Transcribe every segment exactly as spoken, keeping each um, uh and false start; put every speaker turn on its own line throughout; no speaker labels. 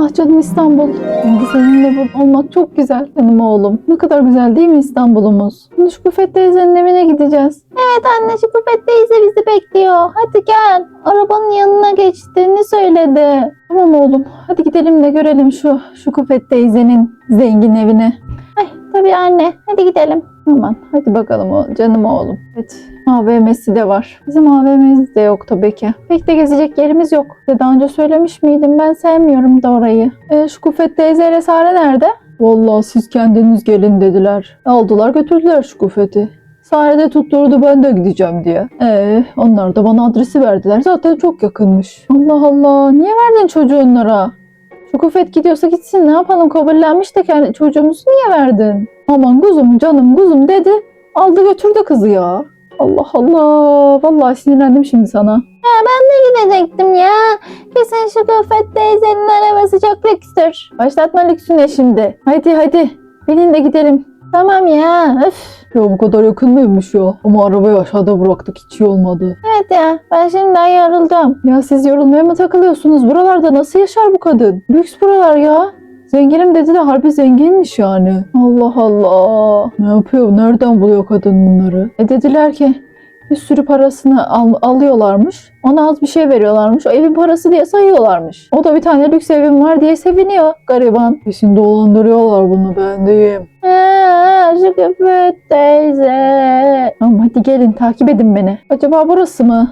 Ah canım İstanbul. Şimdi seninle burada olmak çok güzel canım oğlum. Ne kadar güzel değil mi İstanbul'umuz? Şimdi Şükufet teyzenin evine gideceğiz. Evet anne, Şükufet teyze bizi bekliyor. Hadi gel. Arabanın yanına geçtiğini söyledi. Tamam oğlum. Hadi gidelim de görelim şu Şükufet teyzenin zengin evini. Ay tabii anne. Hadi gidelim. Aman hadi bakalım o canım oğlum. Evet, A V M'si de var. Bizim A V M'miz de yok tabii ki. Pek de gezecek yerimiz yok. Size daha önce söylemiş miydim? Ben sevmiyorum da orayı. E, Şükufet teyzeyle Sare nerede? Vallahi siz kendiniz gelin dediler. Aldılar götürdüler Şükufet'i. Sare de tutturdu ben de gideceğim diye. Ee, onlar da bana adresi verdiler. Zaten çok yakınmış. Allah Allah. Niye verdin çocuğu onlara? Şükufet gidiyorsa gitsin. Ne yapalım? Kabullenmiş de kendi çocuğumuzu niye verdin? Aman kuzum canım kuzum dedi. Aldı götürdü kızı ya. Allah Allah. Vallahi sinirlendim şimdi sana. Ya ben de gidecektim ya. Kesin Şükufet teyzenin arabası çok lükstür. Başlatma lüksüne şimdi. Haydi haydi. Binin de gidelim. Tamam ya. Öf. Ya bu kadar yakın mıymış ya? Ama arabayı aşağıda bıraktık, hiç iyi olmadı. Evet ya, ben şimdiden yoruldum. Ya siz yorulmaya mı takılıyorsunuz? Buralarda nasıl yaşar bu kadın? Lüks buralar ya. Zenginim dedi de harbi zenginmiş yani. Allah Allah. Ne yapıyor? Nereden buluyor kadın bunları? E dediler ki bir sürü parasını al alıyorlarmış. Ona az bir şey veriyorlarmış. O evin parası diye sayıyorlarmış. O da bir tane lüks evim var diye seviniyor gariban. Kesin dolandırıyorlar bunu, ben diyeyim. Eee Şükufet teyze. Tamam hadi gelin takip edin beni. Acaba burası mı?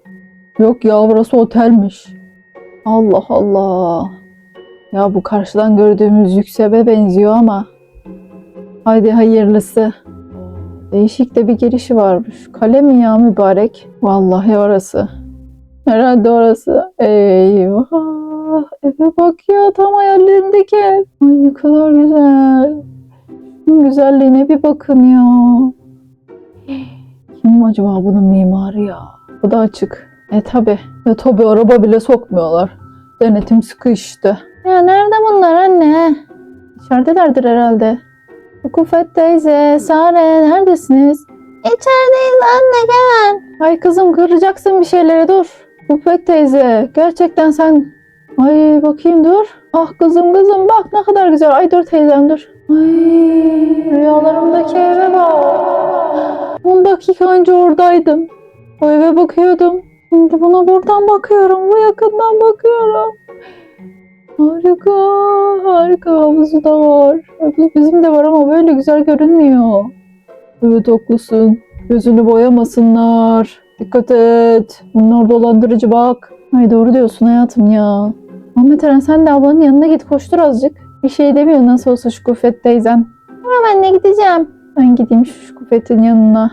Yok ya, burası otelmiş. Allah Allah. Ya bu karşıdan gördüğümüz lüks eve benziyor ama. Haydi hayırlısı. Değişik de bir girişi varmış. Kale mi ya mübarek? Vallahi orası. Herhalde orası. Eyvah. Eve bak ya, tam hayallerimdeki ev. Ay ne kadar güzel. Şunun güzelliğine bir bakın ya. Kim acaba bunun mimarı ya? Bu da açık. E tabi. E tabi araba bile sokmuyorlar. Denetim sıkı işte. Ya nerede bunlar anne? İçeridelerdir herhalde. Şükufet teyze, Sare neredesiniz? İçerideyiz anne, gel. Ay kızım, kıracaksın bir şeyleri, dur. Şükufet teyze, gerçekten sen... Ay bakayım, dur. Ah kızım kızım bak ne kadar güzel. Ay dur teyzem dur. Ay rüyalarımdaki eve bak. on dakika önce oradaydım. O eve bakıyordum. Şimdi buna buradan bakıyorum. Bu yakından bakıyorum. Harika, harika, havuzu da var. Havuz bizim de var ama böyle güzel görünmüyor. Evet haklısın. Gözünü boyamasınlar. Dikkat et. Bunlar dolandırıcı bak. Ay doğru diyorsun hayatım ya. Ahmet Eren sen de ablanın yanına git, koştur azıcık. Bir şey demiyor nasıl olsa Şükufet teyzen. Ama ben de gideceğim. Ben gideyim şu Şükufet'in yanına.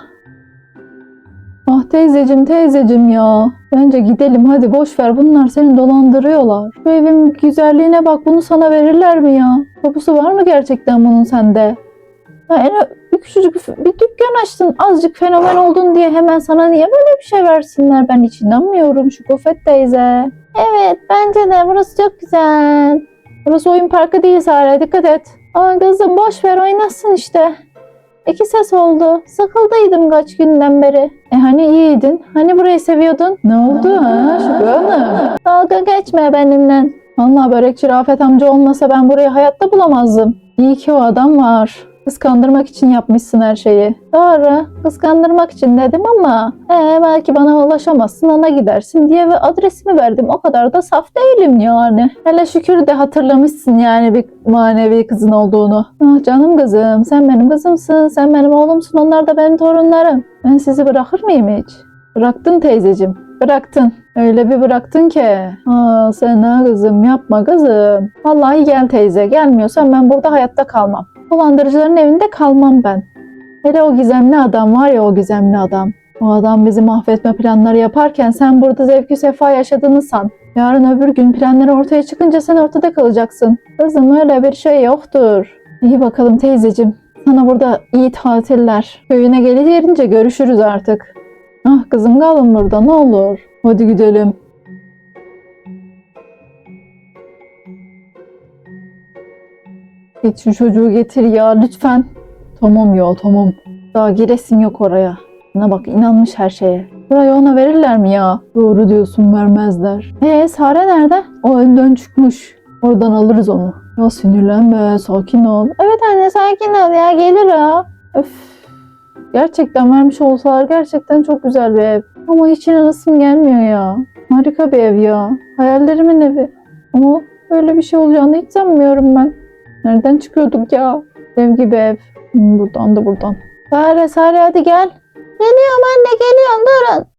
Ah teyzecim teyzecim ya. Bence gidelim hadi, boş ver, bunlar seni dolandırıyorlar. Şu evin güzelliğine bak, bunu sana verirler mi ya? Tapusu var mı gerçekten bunun sende? Ya en bir küçücük bir dükkan açtın, azıcık fenomen oldun diye hemen sana niye böyle bir şey versinler? Ben hiç inanmıyorum Şükufet teyze. Evet bence de burası çok güzel. Burası oyun parkı değil Sare, dikkat et. Aman kızım boş ver, oynasın işte. İki ses oldu. Sıkıldıydım kaç günden beri. E hani iyiydin? Hani burayı seviyordun? Ne oldu ha Şükrü Hanım? Dalga geçme benimle. Vallahi börekçi Rafet amca olmasa ben burayı hayatta bulamazdım. İyi ki o adam var. Kıskandırmak için yapmışsın her şeyi. Doğru. Kıskandırmak için dedim ama ee, belki bana ulaşamazsın, ona gidersin diye ve adresimi verdim. O kadar da saf değilim yani. Hele şükür de hatırlamışsın yani bir manevi kızın olduğunu. Ah canım kızım, sen benim kızımsın, sen benim oğlumsun, onlar da benim torunlarım. Ben sizi bırakır mıyım hiç? Bıraktın teyzeciğim. Bıraktın. Öyle bir bıraktın ki. Aa sen ha kızım, yapma kızım. Vallahi gel teyze. Gelmiyorsan ben burada hayatta kalmam. Dolandırıcıların evinde kalmam ben. Hele o gizemli adam var ya, o gizemli adam. O adam bizi mahvetme planları yaparken sen burada zevkü sefa yaşadığını san. Yarın öbür gün planları ortaya çıkınca sen ortada kalacaksın. Kızım öyle bir şey yoktur. İyi bakalım teyzeciğim. Sana burada iyi tatiller. Köyüne gelince görüşürüz artık. Ah kızım kalın burada ne olur. Hadi gidelim. Git şu çocuğu getir ya lütfen. Tamam ya tamam. Daha giresin yok oraya. Buna bak, inanmış her şeye. Burayı ona verirler mi ya? Doğru diyorsun, vermezler. Ee Sare nerede? O önden çıkmış. Oradan alırız onu. Ya sinirlenme, sakin ol. Evet anne sakin ol ya, gelir o. Öf. Gerçekten vermiş olsalar gerçekten çok güzel bir ev. Ama hiç inanasım gelmiyor ya. Harika bir ev ya. Hayallerimin evi. Ama böyle bir şey olacağını hiç sanmıyorum ben. Nereden çıkıyorduk ya? Ev gibi ev. Hmm, buradan da buradan. Sare Sare hadi gel. Geliyorum anne, geliyorum, durun.